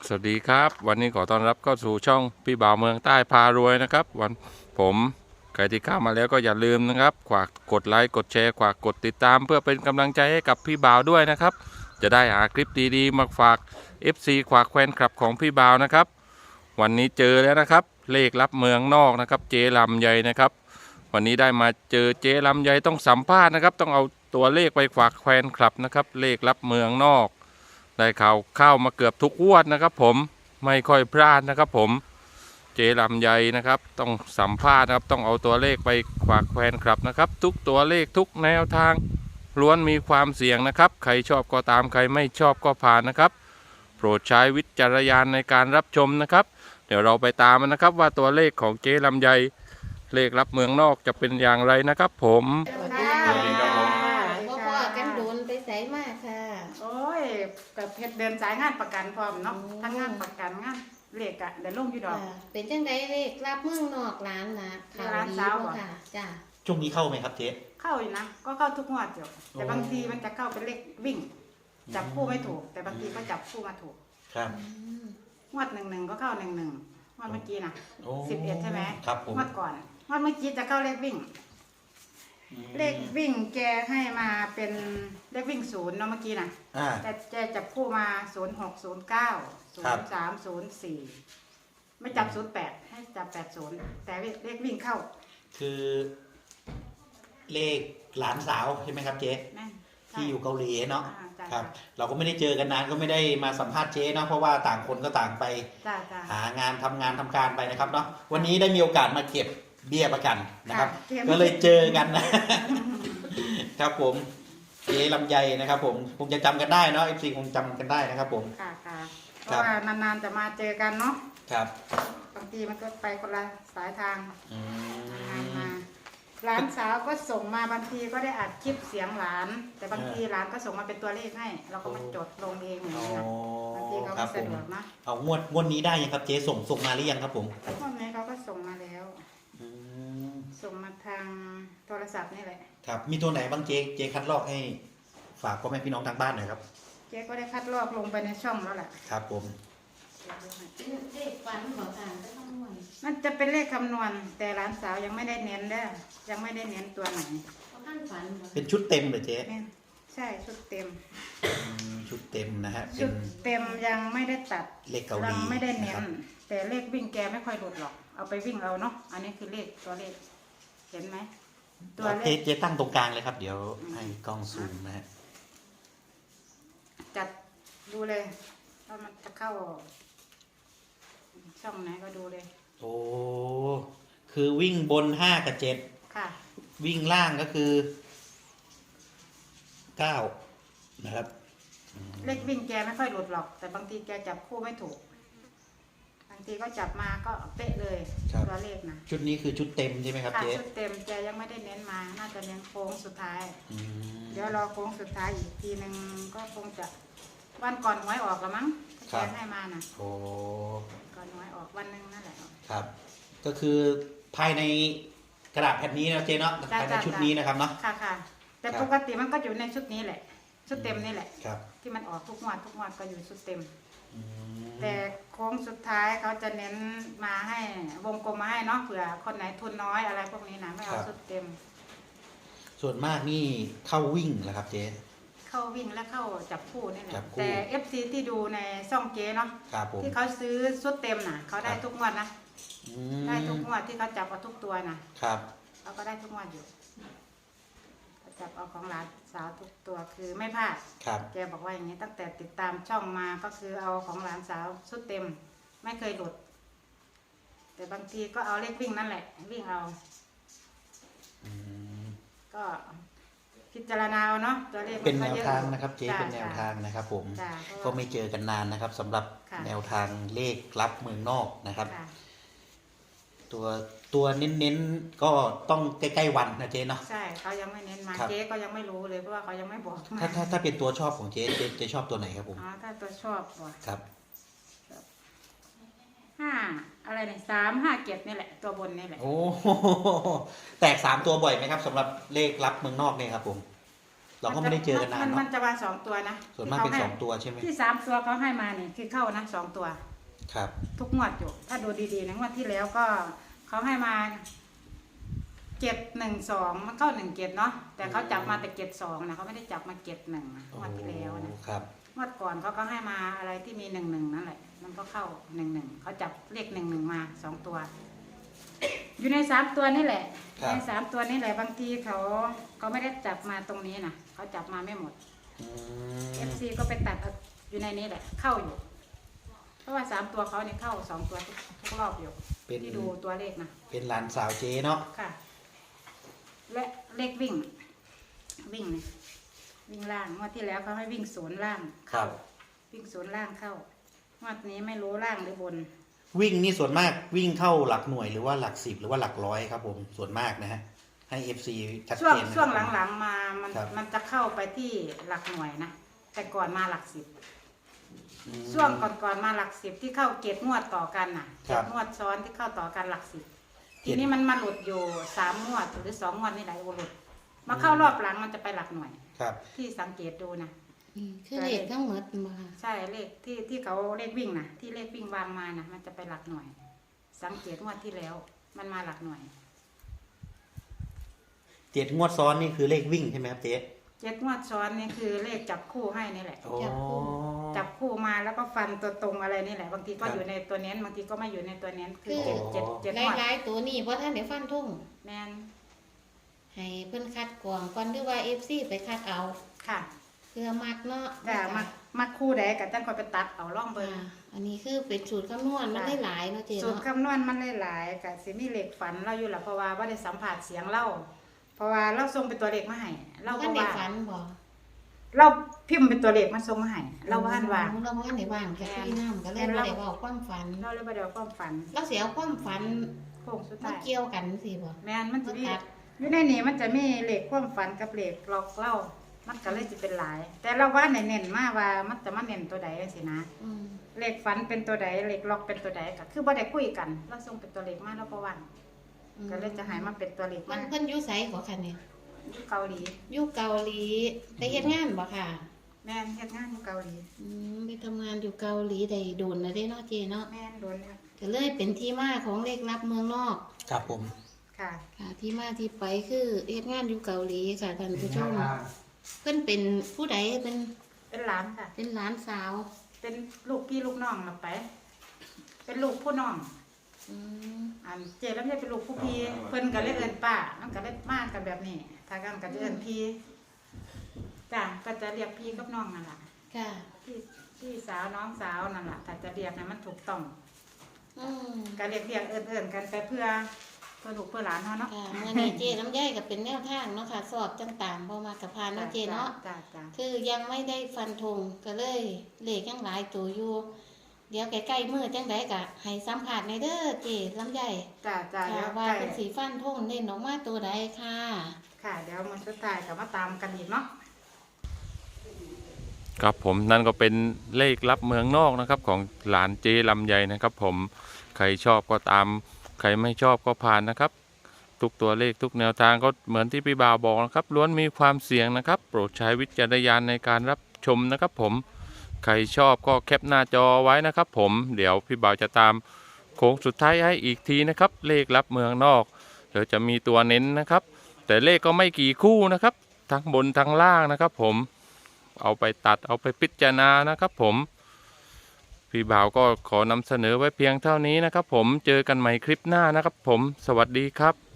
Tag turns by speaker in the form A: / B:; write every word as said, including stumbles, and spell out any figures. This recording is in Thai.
A: สวัสดีครับวันนี้ขอต้อนรับเข้าสู่ช่องพี่บ่าวเมืองใต้พารวยนะครับวันผมใครที่เข้ามาแล้วก็อย่าลืมนะครับฝากกดไลค์กดแชร์ฝากกดติดตามเพื่อเป็นกำลังใจให้กับพี่บ่าวด้วยนะครับจะได้หาคลิปดีๆมาฝาก เอฟ ซี ฝากแฟนคลับของพี่บ่าวนะครับวันนี้เจอแล้วนะครับเลขลับเมืองนอกนะครับเจลำไยนะครับวันนี้ได้มาเจอเจลำไยต้องสัมภาษณ์นะครับต้องเอาตัวเลขไปฝากแฟนคลับนะครับเลขลับเมืองนอกได้ข่าวเข้ามาเกือบทุกงวดนะครับผมไม่ค่อยพลาดนะครับผมเจลำไยนะครับต้องสัมภาษณ์นะครับต้องเอาตัวเลขไปฝากแฟนคลับนะครับทุกตัวเลขทุกแนวทางล้วนมีความเสี่ยงนะครับใครชอบก็ตามใครไม่ชอบก็ผ่านนะครับโปรดใช้วิจารณญาณในการรับชมนะครับเดี๋ยวเราไปตามนะครับว่าตัวเลขของเจลำไยเลขรับเมืองนอกจะเป็นอย่างไรนะครับผม
B: สวัสดี
A: สวัสดีครับผม
B: พ่อพ่อกันโดนไปใส่มากค่ะ
C: โอ้ยกับเพชรเดินสายงานประกันพร้อมเนาะ
B: อืม
C: ทั้งงานประกันงานเลขอะเดี๋ยวลงอยู่ดอก
B: ค่ะเป็นจังไดเลขรับเมืองนอกร้านนะข่าว
C: ร้าน
B: ดี
C: สาว
B: บ่
C: เหรอ
B: ค่ะจ้า
D: ช่วงนี้เข้าไหมครับเจ๊
C: เข้าอยู่นะก็เข้าทุกงวดอยู่แต่
D: โอ้
C: บางทีมันจะเข้าเป็นเลขวิ่ง จับคู่ไม่ถูก แต่บางทีก็จับคู่มาถูก
D: ครับ
C: งวดหนึ่งหนึ่งก็เข้าหนึ่งหนึ่งงวดเมื่อกี้นะ
D: โอ้
C: สิบเอ็ดใช่ไหม
D: ครับผม
C: งวดก่อนงวดเมื่อกี้จะเข้าเลขวิ่ง
D: อืม
C: เลขวิ่งแกให้มาเป็นเลขวิ่งศูนย์เนาะเมื่อกี้นะ
D: อ่า
C: แต่แกจับคู่มาศูนย์หกศูนย์เก้าศู
D: ครั
C: น
D: บ
C: ย์สามศูนย์สี่ไม่จับศูนย์แปดให้จับแปดศูนย์แต่เลขวิ่งเข้า
D: คือเลขหลานสาวใช่ไหมครับเจ๊
C: แม่น
D: ที่อยู่เกาหลีเนาะ
C: อ่าจ้ะ
D: ครับ เราก็ไม่ได้เจอกันนานก็ไม่ได้มาสัมภาษณ์เจ๊เนาะเพราะว่าต่างคนก็ต่างไป
C: จ้าจ้า
D: หางานทำงานทำการไปนะครับเนาะวันนี้ได้มีโอกาสมาเก็บเบี้ยประกันนะครับ
C: เก็บ
D: ก็เลยเจอกันนะ ครับผมเจ๊ลำไยนะครับ ผมคงจะจำกันได้เนาะเอฟซีคงจำกันได้นะครับ ผม
C: ค่ะค่ะเพ
D: ครับ
C: ราะว่านานๆจะมาเจอกันเนาะ
D: ครับ
C: บางทีมันก็ไปคนละสายทาง
D: อื
C: นาน
D: ม
C: มาหลานสาวก็ส่งมาบางทีก็ได้อัดคลิปเสียงหลาน แต่บางทีหลานก็ส่งมาเป็นตัวเลขให้ เราก็มาจดลงเองอย่าง
D: อ๋อ
C: นี้นะบางทีเขา
D: ครั
C: ไม่
D: บผ
C: สะ
D: ม
C: ดวกนะ
D: เอางวดงวดนี้ได้ยังครับเจ๊ส่งส่งมาหรือยังครับผม
C: พวกนี้เขาก็ส่งมาแล้ว
D: อืม
C: ส่งมาทางโทรศัพท์นี่แหละ
D: ครับมีตัวไหนบ้างเจ๊เจ๊คัดลอกให้ฝากพ่อแม่พี่น้องทางบ้านหน่อยครับ
C: เจ๊ก็ได้คัดลอกลงไปในช่องแล้วแหละ
D: ครับผม
B: เลขฝันบ่ค่ะจะต้องม่วน
C: มันจะเป็นเลขคำนวณ แต่หลานสาวยังไม่ได้เน้นเด้อยังไม่ได้เน้นตัวไหน
B: บ่ทันฝันบ่
D: เป็นชุดเต็มเลยเจ๊
C: แม่นใช่ชุดเต็ม
D: อืมชุดเต็มนะฮะเป็
C: ชุ
D: น
C: ดเต็มยังไม่ได้ตัด
D: เลขเกาหลี
C: ยังไม่ได้เน้
D: ะคน รับ
C: แต่เลขวิ่งแกไม่ค่อยหลุดหรอก เอาไปวิ่งเอาเนาะอันนี้คือเลขตัวเลข เห็นไหมตัวเล
D: เจ๊
C: ข
D: เจ๊ตั้งตรงกลางเลยครับ เดี๋ยวให้กล้องซูมนะฮะ
C: จัดดูเลยว่ามันจะเข้า ช่องไหนก็ดูเลย
D: โอ้คือวิ่งบนห้ากับเจ็ด
C: ค่ะ
D: วิ่งล่างก็คือเก้านะครับ
C: เลขวิ่งแกไม่ค่อยหลุดหรอก แต่บางทีแกจับคู่ไม่ถูก บางทีก็จับมาก็เป๊ะเลยตัวเลขนะ
D: ชุดนี้คือชุดเต็มใช่ไหมครับ
C: ค่ะ
D: เจ๊
C: ชุดเต็มแกยังไม่ได้เน้นมา น่าจะเน้นโค้งสุดท้าย
D: อืม
C: เดี๋ยวรอโค้งสุดท้ายอีกทีหนึ่งก็คงจะวันก่อนหวยออกแล้วมั้งแกให้มานะ
D: โอ้
C: ก่อนหวยออกวันหนึงนั่นแหละ
D: ครับ ก็คือภายในกระดาษแผ่นนี้นะเจ๊เนาะ
C: จ้ะ
D: ภายใน
C: จ้ะ
D: ชุดนี้นะครับเนาะ
C: ค่ะค่ะ แต่
D: ครับ
C: ปกติมันก็อยู่ในชุดนี้แหละ ชุดเต็มนี่แหละ
D: ครับ
C: ที่มันออกทุกงวดทุกงวดก็อยู่ชุดเต็ม
D: อืม
C: แต่โค้งสุดท้ายเขาจะเน้นมาให้วงกลมมาให้เนาะเผื่อคนไหนทุนน้อยอะไรพวกนี้นะไม่เอาชุดเต็ม
D: ส่วนมากนี่เข้าวิ่งเหรอครับเจ๊
C: เข้าวิ่งและเข้าจับคู่นี่แหละ
D: จับคู่
C: แต่ เอฟ ซี ที่ดูในช่องเจ๊เนาะ
D: ครับผม
C: ที่เขาซื้อชุดเต็มน่ะเขาได้
D: ครับ
C: ทุกงวดนะ
D: อืม
C: ได้ทุกงวดที่เขาจับเอาทุกตัวน่ะ
D: ครับ
C: เขาก็ได้ทุกงวดอยู่เขาจับเอาของหลานสาวทุกตัวคือไม่พลาด
D: ครับ
C: แกบอกว่าอย่างนี้ตั้งแต่ติดตามช่องมาก็คือเอาของหลานสาวชุดเต็ม ไม่เคยหลุด แต่บางทีก็เอาเลขวิ่งนั่นแหละ วิ่งเอา
D: อืม
C: ก็พิจารณาเอาเนาะตัวเลข
D: เป็น
C: มั
D: แน
C: ก็
D: ว
C: ยอะ
D: ทางนะครับเจ๊
C: จ้ะ
D: เป็นแนวทางนะครับ ผม
C: จ้ะ
D: ก็ไม่เจอกันนานนะครับสำหรับ
C: ค่ะ
D: แนวทางเลขลับเมืองนอกนะครับ
C: ค่ะ
D: ตัวตัวเน้นๆก็ต้องใกล้ๆวันนะเจ๊เนาะ
C: ใช่เขายังไม่เน้นมา
D: ครับ
C: เจ๊ก็ยังไม่รู้เลยเพราะว่าเขายังไม่บอกมา
D: ถ้าถ้าถ้าเป็นตัวชอบของเจ๊เจ๊เจ๊ชอบตัวไหนครับผม
C: อ๋อถ้าตัวชอบว่ะ
D: ครับ
C: ห้าอะไรเนี่ยสามห้าเก็บนี่แหละ ตัวบนนี่แหละ
D: โอ้ แตกสามตัวบ่อยไหมครับสำหรับเลขลับเมืองนอกเนี่ยครับผมเราก็ไม่ได้เจอกันนาน
C: มั
D: เนาะ
C: มันจะมาสองตัวนะ
D: ส่วนมากเป็น
C: ที่
D: ส
C: ข
D: องตัวใช่ไหม
C: ให้ที่สามตัวเขาให้มาเนี่ยคือเข้านะสองตัว
D: ครับ
C: ทุกงวดอยู่ ถ้าดูดีๆนะงวดที่แล้วก็เขาให้มาเจ็ดหนึ่งสองมันเข้าหนึ่งเจ็ดเนาะแต่เขาจับมาแต่เจ็ดสองนะเขาไม่ได้จับมาเจ็ดหนึ่งงวดที่แล้วนะครับ งวดก่อนเขาก็ให้มาอะไรที่มีหนึ่งหนึ่งนั่นแหละมันก็เข้าหนึ่งหนึ่งเขาจับเลขหนึ่งหนึ่งมาสองตัว อยู่ในสามตัวนี่แหละ
D: ครับ
C: ในสามตัวนี่แหละบางทีเขาเขาไม่ได้จับมาตรงนี้นะเขาจับมาไม่หมด
D: อื
C: เอ
D: ม
C: ฟซีก็ไปตัดเอาอยู่ในนี้แหละ เข้าอยู่ เพราะว่าสามตัวเขาเนี่ยเข้าสองตัวทุกทุกรอบอยู่
D: เป็น
C: ที่ดูตัวเลขนะ
D: เป็นหลานสาวเจ๊เนาะ
C: ค่ะ และเลขวิ่ง วิ่งเนี่ยวิ่งล่างงวดที่แล้วเขาให้วิ่งศูนย์ล่าง
D: ครับ
C: วิ่งศูนย์ล่างเข้างวดนี้ไม่รู้ล่างหรือบน
D: วิ่งนี่ส่วนมากวิ่งเข้าหลักหน่วยหรือว่าหลักสิบหรือว่าหลักร้อยครับผมส่วนมากนะฮะให้ เอฟ ซี ชัด
C: ช่วง
D: เจนนะ
C: ช่วง
D: ครับ
C: หลังๆมามัน
D: ครับ
C: มันจะเข้าไปที่หลักหน่วยนะแต่ก่อนมาหลักสิบ
D: อืม
C: ช่วงก่อนๆมาหลักสิบที่เข้าเกตงวดต่อกันน่ะ
D: ค
C: เก
D: รับ
C: ตงวดซ้อนที่เข้าต่อกันหลักสิบ
D: เจ็
C: ที
D: ด
C: นี้มันมาหลุดอยู่สามงวดหรือสองงวดนี่แหละโอหลุดมาเข้ารอบหลังมันจะไปหลักหน่วย
D: ครับ
C: ที่สังเกตดูนะ
B: อืมคือเลขทั้งหมดมาค่ะ
C: ใช่เลขที่ที่เขาเลขวิ่งนะที่เลขวิ่งวางมานะมันจะไปหลักหน่วย สังเกตงวดที่แล้ว มันมาหลักหน่วย
D: เจ็ดงวดซ้อนนี่คือเลขวิ่งใช่ไหมครับเจ๊
C: เจ็ดงวดซ้อนนี่คือเลขจับคู่ให้นี่แหละ
D: โอ้
C: จับคู่มาแล้วก็ฟันตัวตรงอะไรนี่แหละ บางทีก็
D: ครับ
C: อยู่ในตัวเน้นบางทีก็ไม่อยู่ในตัวเน้นคือ
B: คือ
C: เจ็ดเจ็ดเจ็ด
B: ห
C: งวด
B: ลายๆตัวนี่เพราะท่านเดี๋ยวฟันทุ่ง
C: แมน
B: ให้เพิ่นคัดกรองก่อนหรือว่า เอฟ ซี ไปคัดเอา
C: ค่ะ
B: เพื่อมักเนาะ
C: แต่มามาคู่ใดกับจังคอยไปตัดเอาล่องเบิ้ง
B: อ่าอันนี้คือเป็นสูตรคำนวณมันได้หลายเนาะเจ๊
C: สูตร
B: เนาะ
C: คำนวณมันหลายๆกับสิมีเหล็กฝันเราอยู่หละเพราะว่าว่าได้สัมผัสเสียงเล่าเพราะว่าเราส่งเป็นตัวเลขมาให้เรา
B: ท่า
C: ก็
B: นได้
C: ว่า
B: ฝันบ่
C: เราพิมพ์เป็นตัวเลขมาส่งมาให้เราว่านว่า
B: เราบ่ทันได้ว่างแค่พี่น้ำก็เลย
C: แม่น
B: บ่
C: เรา
B: ได้เว้าความฝัน
C: เราเลยบ่ได้เอาความฝัน
B: เราสิเอาความฝัน
C: โค้งสุด
B: มา
C: ท้าย
B: เกี่ยวกันสิบ่
C: แม่นมันจะมี
B: มาตัด
C: อยู่ในนี้มันจะมีเหล็กความฝันกับเหล็กหลอกเล่ามันก็เลยจะเป็นหลาย แต่เราว่าเน้นๆมาว่ามันจะมาเน้นตัวใดสินะ
B: อืม
C: เหล็กฝันเป็นตัวใดเหล็กล็อกเป็นตัวใดก็คือบ่ได้คุยกัน เราส่งเป็นตัวเลขมาเราก็ว่าง
B: อืม
C: ก็เลยจะใหายมาเป็นตัวเลข
B: มั
C: มาน
B: เพิ่นอยู่ไสกว่าคันนี่
C: อยู่เกาหลี
B: อยู่เกาหลีไปเฮ็ดงานบ่ค่ะ
C: แม่นเฮ็ดงานอยู่เกาหลี
B: อืมไปทำงานอยู่เกาหลีได้โดนแล้วเด้เนาะเจ๊เนาะ
C: แม่นโดนครับ
B: ก็เลยเป็นที่มาของเลขลับเมืองนอก
D: ครับผม
C: ค่ะ
B: ค่ะ ที่มาที่ไปคือเฮ็ดงานอยู่เกาหลีค่ะท่านผู้ชมเพิ่นเป็นผู้ใดเป็น
C: เป็นหลานค่ะ
B: เป็นหลานสาว
C: เป็นลูกพี่ลูกน้องเราไป เป็นลูกผู้น้อง
B: อืม
C: อันเจแล้วไม่เป็นลูกผู้พี่เพิ่นก็เลยเอิ้นป้ามันก็เลยมากกันแบบนี้ ถ้ากันก็จะเอิ้นพี่จ้ะก็จะเรียกพี่กับน้องนั่นล่ะ
B: ค่ะ
C: พี่พี่สาวน้องสาวนั่นล่ะถ้าจะเรียกให้มันถูกต้อง
B: อืม
C: ก็เรียกเรียกเอิ้นเอิ้นกันไปเพื่อเพื่อลูกเพื่อหลานเฮาเนาะ
B: ค่ะเมื่อนี้เจ๊ลำไยก็เป็นแนวทางเนาะค่ะ สอบต่างๆบ่มากับพานเนาะเจ๊เนาะ
C: จ้ะจ้ะ
B: คือยังไม่ได้ฟันธงก็เลยเลขยังหลายตัวอยู่ เดี๋ยวใกล้ๆมือจังไดก็ให้สัมผัสในเด้อเจ๊ลำไย
C: จ้ะจ้ะ
B: ค่ะ
C: เดี๋ยว
B: ว่า
C: ใกล้
B: เป็นสีฟันธงเน้นออกมาตัวใดค่ะ
C: ค่ะเดี๋ยวมันสุดท้ายก็มาตามกันอีกเนาะ
A: ครับผมนั่นก็เป็นเลขลับเมืองนอกนะครับของหลานเจลำไยนะครับผมใครชอบก็ตามใครไม่ชอบก็ผ่านนะครับทุกตัวเลขทุกแนวทางก็เหมือนที่พี่บ่าวบอกนะครับล้วนมีความเสี่ยงนะครับโปรดใช้วิจารณญาณในการรับชมนะครับผมใครชอบก็แคปหน้าจอไว้นะครับผมเดี๋ยวพี่บ่าวจะตามโค้งสุดท้ายให้อีกทีนะครับเลขลับเมืองนอกเดี๋ยวจะมีตัวเน้นนะครับแต่เลขก็ไม่กี่คู่นะครับทั้งบนทั้งล่างนะครับผมเอาไปตัดเอาไปพิจารณานะครับผมพี่บ่าวก็ขอนำเสนอไว้เพียงเท่านี้นะครับผมเจอกันใหม่คลิปหน้านะครับผมสวัสดีครับ